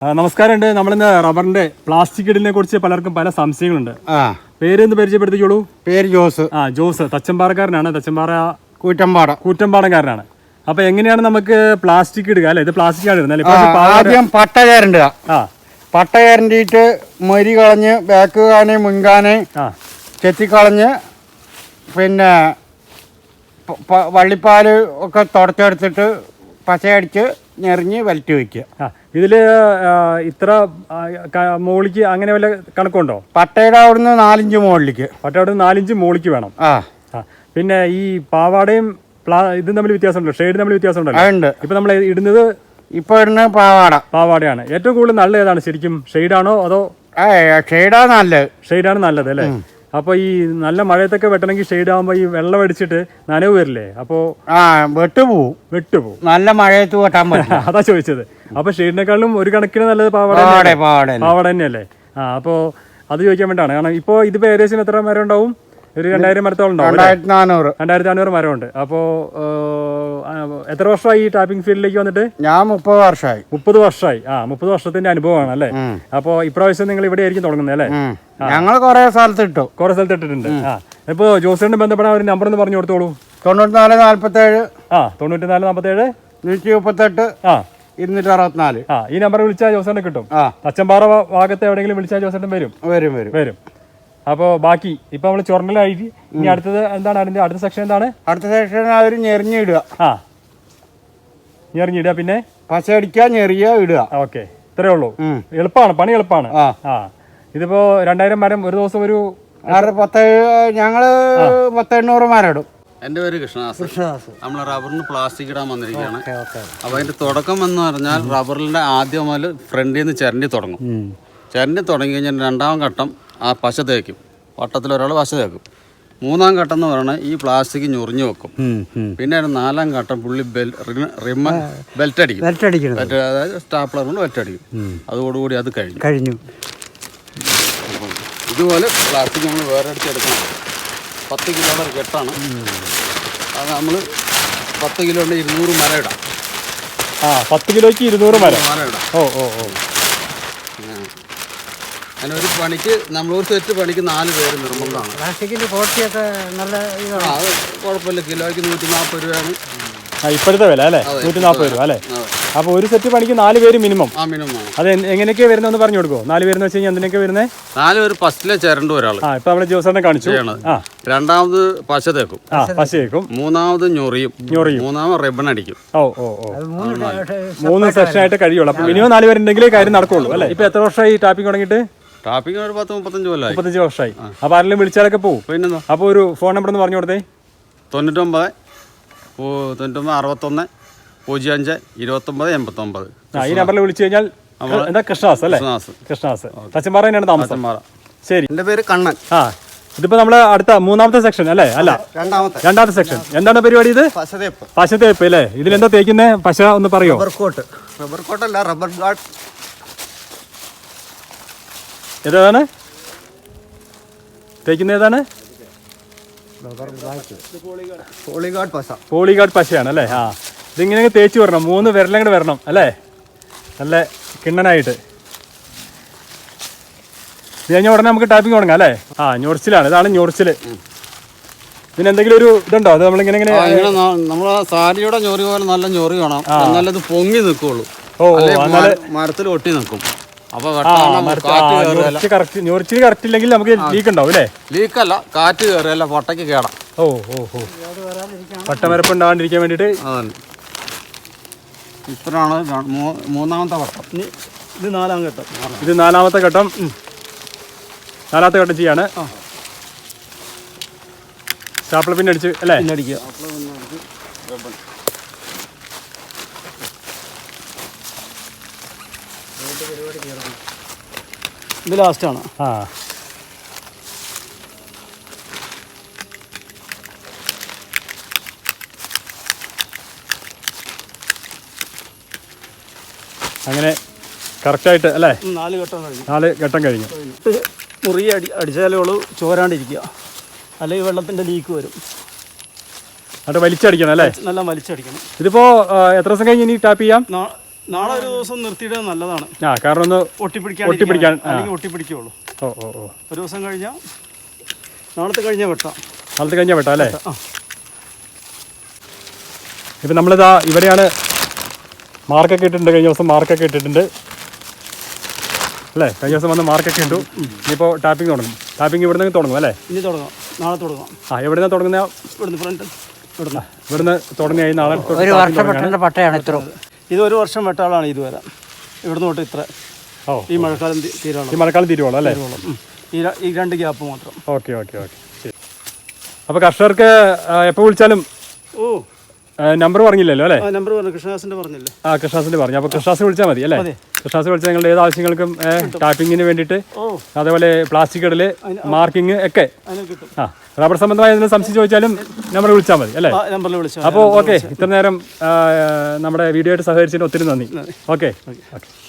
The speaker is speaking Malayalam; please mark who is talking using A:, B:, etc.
A: നമസ്കാരമുണ്ട്. നമ്മളിന്ന് റബ്ബറിന്റെ പ്ലാസ്റ്റിക് ഇടലിനെ കുറിച്ച് പലർക്കും പല സംശയങ്ങളുണ്ട്. പേരൊന്ന് പരിചയപ്പെടുത്തിക്കോളൂ.
B: ആദ്യം പട്ട ചേരണ്ട. പട്ട ചേരണ്ടിട്ട് മരി കളഞ്ഞ് ബാക്ക് കാനെ മുൻകാനെ ചെത്തിക്കളഞ്ഞ് പിന്നെ വള്ളിപ്പാല് ഒക്കെ തുടച്ചെടുത്തിട്ട് പച്ചയടിച്ച് ഞെറിഞ്ഞ് വലറ്റി വയ്ക്കുക.
A: ഇതില് ഇത്ര മോളിക്ക് അങ്ങനെ വല്ല കണക്കുണ്ടോ?
B: പട്ടയുടെ അവിടുന്ന് 4 ഇഞ്ച് മുകളിലേക്ക്.
A: പട്ടയുടെ അവിടുന്ന് 4 ഇഞ്ച് മോളിക്ക് വേണം. പിന്നെ ഈ പാവാടയും ഇതും തമ്മിൽ വ്യത്യാസമുണ്ടല്ലോ, ഷെയ്ഡ് തമ്മിൽ വ്യത്യാസമുണ്ടല്ലോ. ഇപ്പൊ നമ്മൾ ഇടുന്നത്
B: ഇടുന്ന പാവാടയാണ്.
A: ഏറ്റവും കൂടുതൽ നല്ലത് ഏതാണ് ശരിക്കും? ഷെയ്ഡാണോ അതോ? ഷെയ്ഡാണ് നല്ലത് അല്ലേ? അപ്പൊ ഈ നല്ല മഴയത്തൊക്കെ വെട്ടണമെങ്കിൽ ഷെയ്ഡ് ആകുമ്പോ ഈ വെള്ളം അടിച്ചിട്ട് നനവ് വരില്ലേ? അപ്പൊ വെട്ടുപോകും.
B: നല്ല മഴയത്ത് വെട്ടാൻ പറ്റില്ല.
A: അതാ ചോദിച്ചത്. അപ്പൊ ഷെയ്ഡിനെക്കാളും ഒരു കണക്കിന് നല്ലത് പാവാട തന്നെയല്ലേ? അപ്പൊ അത് ചോദിക്കാൻ വേണ്ടിയാണ്. കാരണം ഇപ്പൊ ഇതിപ്പോ ഏകദേശം എത്ര മരം ഉണ്ടാവും? ഒരു 2000 മരത്തോളം ഉണ്ടാവും. 2400 മരമുണ്ട്. അപ്പോ എത്ര വർഷമായി ഈ ടാപ്പിംഗ് ഫീൽഡിലേക്ക് വന്നിട്ട്?
B: ഞാൻ 30 വർഷമായി.
A: 30 വർഷമായി. 30 വർഷത്തിന്റെ അനുഭവമാണ് അല്ലേ? അപ്പൊ ഇപ്രാവശ്യം നിങ്ങൾ ഇവിടെ ആയിരിക്കും തുടങ്ങുന്നത് അല്ലേ?
B: ഞങ്ങൾ കുറെ സ്ഥലത്ത്
A: ഇട്ടിട്ടുണ്ട്. ഇപ്പൊ ജോസിനെ ബന്ധപ്പെടാൻ ഒരു നമ്പർ ഒന്ന് പറഞ്ഞു കൊടുത്തോളൂ.
B: 9447
A: 9447
B: 138 264.
A: ഈ നമ്പർ വിളിച്ചാൽ ജോസേട്ടനെ കിട്ടും. തച്ചമ്പാറ ഭാഗത്ത് എവിടെയെങ്കിലും വിളിച്ചാൽ ജോസേട്ടൻ വരും. അപ്പൊ ബാക്കി ഇപ്പൊ നമ്മള് ചൊറലായി. ഇനി അടുത്തത് എന്താണ്? അതിന്റെ അടുത്ത സെക്ഷൻ എന്താണ്?
B: അടുത്ത സെക്ഷൻ അവര് ഞെറിഞ്ഞിടുക.
A: ഞെറിഞ്ഞിടുക, പിന്നെ
B: പച്ചയടിക്കുക, ഞെറിയ ഇടുക.
A: ഓക്കെ, ഇത്രേ ഉള്ളൂ. എളുപ്പമാണ്, പണി എളുപ്പമാണ്. ഇതിപ്പോ 2000 മരം ഒരു ദിവസം ഒരു
B: ഞങ്ങള് 1000-800 മരം ഇടും.
C: എൻ്റെ പേര് കൃഷ്ണദാസ്. നമ്മൾ റബ്ബറിന് പ്ലാസ്റ്റിക് ഇടാൻ വന്നിരിക്കുകയാണ്. അപ്പോൾ അതിൻ്റെ തുടക്കം എന്ന് പറഞ്ഞാൽ റബ്ബറിൻ്റെ ആദ്യം മുതൽ ഫ്രണ്ടിൽ നിന്ന് ചിരണ്ടി തുടങ്ങും. ചിരണ്ടി തുടങ്ങി കഴിഞ്ഞാൽ 2ാം ഘട്ടം ആ പശ തേക്കും. വട്ടത്തിൽ ഒരാൾ പശ തേക്കും. 3ാം ഘട്ടം എന്ന് പറയുന്നത് ഈ പ്ലാസ്റ്റിക് ഞൊറിഞ്ഞു വെക്കും. പിന്നെ 4ാം ഘട്ടം പുള്ളി ബെൽറ്റ് അടിക്കും. അതായത് സ്റ്റാപ്ലർ കൊണ്ട് ബെൽറ്റ് അടിക്കും. അതോടുകൂടി അത് കഴിഞ്ഞു. ഇതുപോലെ പ്ലാസ്റ്റിക് നമ്മൾ വേറെ അടിച്ചെടുക്കണം. 10 കിലോയുടെ ഒരു കെട്ടാണ്. അത് നമ്മൾ 10 കിലോയുടെ 200 മരം ഇടാം.
A: 10 കിലോയ്ക്ക് 200 മരം
C: ഇടാം. അങ്ങനെ ഒരു പണിക്ക് നമ്മളൊരു സെറ്റ് പണിക്ക് 4 പേര് നിർബന്ധമാണ്. അത് കുഴപ്പമില്ല. കിലോയ്ക്ക് 140 രൂപയാണ്
A: ഇപ്പോഴത്തെ വില അല്ലേ? 140 രൂപ അല്ലേ? അപ്പൊ ഒരു സെറ്റ് പണിക്ക് 4 പേര് മിനിമം. അത് എങ്ങനെയൊക്കെ വരുന്നതെന്ന് പറഞ്ഞു കൊടുക്കുമോ? 4 പേരെന്ന് വെച്ച് കഴിഞ്ഞാൽ എന്തിനൊക്കെ വരുന്നത്?
C: 4 പേര് ഫസ്റ്റിലെ ചേരണ്ട ഒരാൾ.
A: ഇപ്പൊ നമ്മള് ജോസേട്ടനെ കാണിച്ചു.
C: 2ാമത് പശ തേക്കും. 3ാമത് ഞൊറിയും. 3ാമത് റിബൺ അടിക്കും.
A: 3 സെക്ഷൻ ആയിട്ട് കഴിയുള്ളൂ. അപ്പൊ മിനിമം 4 പേരുണ്ടെങ്കിലേ കാര്യം നടക്കുള്ളൂ അല്ലേ? ഇപ്പൊ എത്ര വർഷമായി ടാപ്പിംഗ് തുടങ്ങിയിട്ട്?
C: ടാപ്പിംഗ് ഒരു 10-35 കൊല്ലമായി.
A: 35 വർഷമായി. അപ്പൊ ആരെങ്കിലും വിളിച്ചാലൊക്കെ പോകും.
C: പിന്നെ
A: അപ്പൊ ഒരു ഫോൺ നമ്പർ ഒന്ന് പറഞ്ഞു കൊടുത്തേ.
C: 99 61 05 29 89.
A: ഈ നമ്പറിൽ വിളിച്ചു കഴിഞ്ഞാൽ എന്താ? കൃഷ്ണദാസ് അല്ലേ? കൃഷ്ണദാസ്. തച്ചമ്പാറ തന്നെയാണ് താമസം. ശരി.
C: എന്റെ പേര് കണ്ണൻ.
A: ഇതിപ്പോ നമ്മള് അടുത്ത 3ാമത്തെ സെക്ഷൻ അല്ലേ? അല്ല, 2ാമത്തെ സെക്ഷൻ. എന്താണ് പരിപാടി? ഇത് പശ തേപ്പ് അല്ലേ? ഇതിലെന്താ തേക്കുന്നത്? പശ ഒന്ന് പറയോ?
C: റബ്ബർ കോട്ടല്ല, റബ്ബർ ഗാർഡ്.
A: ഏതാണ് തേക്കുന്നത്? ഏതാണ്? പോളിഗാർഡ് പശയാണ് അല്ലേ? ഇതിങ്ങനെ തേച്ച് വരണം. 3 വിരലങ്ങോട്ട് വരണം അല്ലേ? നല്ല കിണ്ണനായിട്ട്. ഇത് കഴിഞ്ഞ ഉടനെ നമുക്ക് ടാപ്പിംഗ് തുടങ്ങാം അല്ലേ? ഞൊറിച്ചിലാണ്. ഇതാണ് ഞൊറിച്ചില്. പിന്നെ എന്തെങ്കിലും ഒരു ഇതുണ്ടോ? അത് നമ്മളിങ്ങനെ
C: നമ്മളെ സാരിയുടെ ഞൊറി പോലെ നല്ല ഞൊറി വേണം. നല്ലത് പൊങ്ങി നിൽക്കുള്ളൂ. മരത്തിൽ ഒട്ടി നിൽക്കും.
A: ഞൊറിച്ചില് കറക്റ്റ് ഇല്ലെങ്കിൽ നമുക്ക് ലീക്ക് ഉണ്ടാവും അല്ലേ?
C: ലീക്കല്ല, കാറ്റ് കയറിയല്ല, പൊട്ടയ്ക്ക് കേടാം.
A: പട്ടമരപ്പ് ഉണ്ടാകാണ്ടിരിക്കാൻ വേണ്ടിട്ട്.
C: ഇത്രയാണ് 3ാമത്തെ ഘട്ടം.
A: ഇത് 4ാം ഘട്ടം. ഇത് 4ാമത്തെ ഘട്ടം. 4ാമത്തെ ഘട്ടം ചെയ്യാണ്. സ്റ്റാപ്ലർ പിന്നെ അടിച്ച് അല്ലേ? അടിക്കുക.
B: ഇത് ലാസ്റ്റാണ്.
A: അങ്ങനെ കറക്റ്റായിട്ട് അല്ലേ?
B: 4
A: ഘട്ടം കഴിഞ്ഞു.
B: മുറി അടിച്ചാലേ ഉള്ളൂ ചോരാണ്ടിരിക്കുക, അല്ലെങ്കിൽ വെള്ളത്തിൻ്റെ ലീക്ക് വരും.
A: അത് വലിച്ചടിക്കണം അല്ലേ?
B: നല്ല വലിച്ചടിക്കണം.
A: ഇതിപ്പോ എത്ര ദിവസം കഴിഞ്ഞ് ഇനി ടാപ്പ് ചെയ്യാം?
B: നാളെ ഒരു ദിവസം നിർത്തിയിടാൻ നല്ലതാണ്.
A: ആ കാരണം ഒന്ന്
B: ഒട്ടിപ്പിടിക്കാൻ അല്ലെങ്കിൽ ഒട്ടിപ്പിടിക്കുള്ളൂ.
A: ഓ ഓ ഓ
B: ഒരു ദിവസം കഴിഞ്ഞാൽ നാളത്തെ കഴിഞ്ഞാൽ വെട്ടാം.
A: നാളത്തെ കഴിഞ്ഞാൽ വെട്ടാം അല്ലേ? ഇപ്പം നമ്മളിതാ ഇവിടെയാണ് മാർക്കൊക്കെ ഇട്ടിട്ടുണ്ട്. കഴിഞ്ഞ ദിവസം മാർക്കൊക്കെ ഇട്ടിട്ടുണ്ട് അല്ലേ? കഴിഞ്ഞ ദിവസം വന്ന് മാർക്കൊക്കെ ഇട്ടു. ഇനിയിപ്പോൾ ടാപ്പിംഗ് തുടങ്ങും. ടാപ്പിംഗ് ഇവിടെ നിന്ന് തുടങ്ങും അല്ലേ?
B: ഇനി തുടങ്ങാം, നാളെ തുടങ്ങാം.
A: ആ എവിടെ നിന്നാണ് തുടങ്ങുന്ന?
B: ഇവിടുന്ന് ഫ്രണ്ട്
A: ഇവിടുന്ന് തുടങ്ങി നാളെ
D: ഒരു വർഷം വെട്ടേണ്ട പട്ടയാണ് ഇത്ര.
B: ഇത് ഒരു വർഷം വെട്ടാളാണ് ഇത് വരാം. ഇവിടുന്ന് തൊട്ട് ഇത്ര.
A: ഓ
B: ഈ മഴക്കാലം തീരാളം.
A: ഈ മഴക്കാലം തീരുവോളൂ അല്ലേ?
B: ഈ 2 ഗ്യാപ്പ് മാത്രം.
A: ഓക്കെ ഓക്കെ ഓക്കെ ശരി. അപ്പോൾ കർഷകർക്ക് എപ്പോൾ വിളിച്ചാലും നമ്പർ പറഞ്ഞില്ലല്ലോ അല്ലേ?
B: നമ്പർ പറഞ്ഞു, കൃഷ്ണദാസിന്റെ പറഞ്ഞില്ലേ?
A: ആ കൃഷ്ണദാസിന്റെ പറഞ്ഞു. അപ്പോൾ കൃഷ്ണദാസ് വിളിച്ചാൽ മതി അല്ലേ? കൃഷ്ണദാസ് വിളിച്ചാൽ നിങ്ങളുടെ ഏത് ആവശ്യങ്ങൾക്കും ടാപ്പിങ്ങിന് വേണ്ടിയിട്ട് അതേപോലെ പ്ലാസ്റ്റിക് ഇടല് മാർക്കിങ് ഒക്കെ ആ റബ്ബർ സംബന്ധമായ എന്തെങ്കിലും സംശയം ചോദിച്ചാലും നമ്പർ വിളിച്ചാൽ മതി അല്ലേ?
B: നമ്പറിൽ വിളിച്ചാൽ.
A: അപ്പോൾ ഓക്കെ, ഇത്ര നേരം നമ്മുടെ വീഡിയോ ആയിട്ട് സഹകരിച്ചതിന് ഒത്തിരി നന്ദി. Okay okay.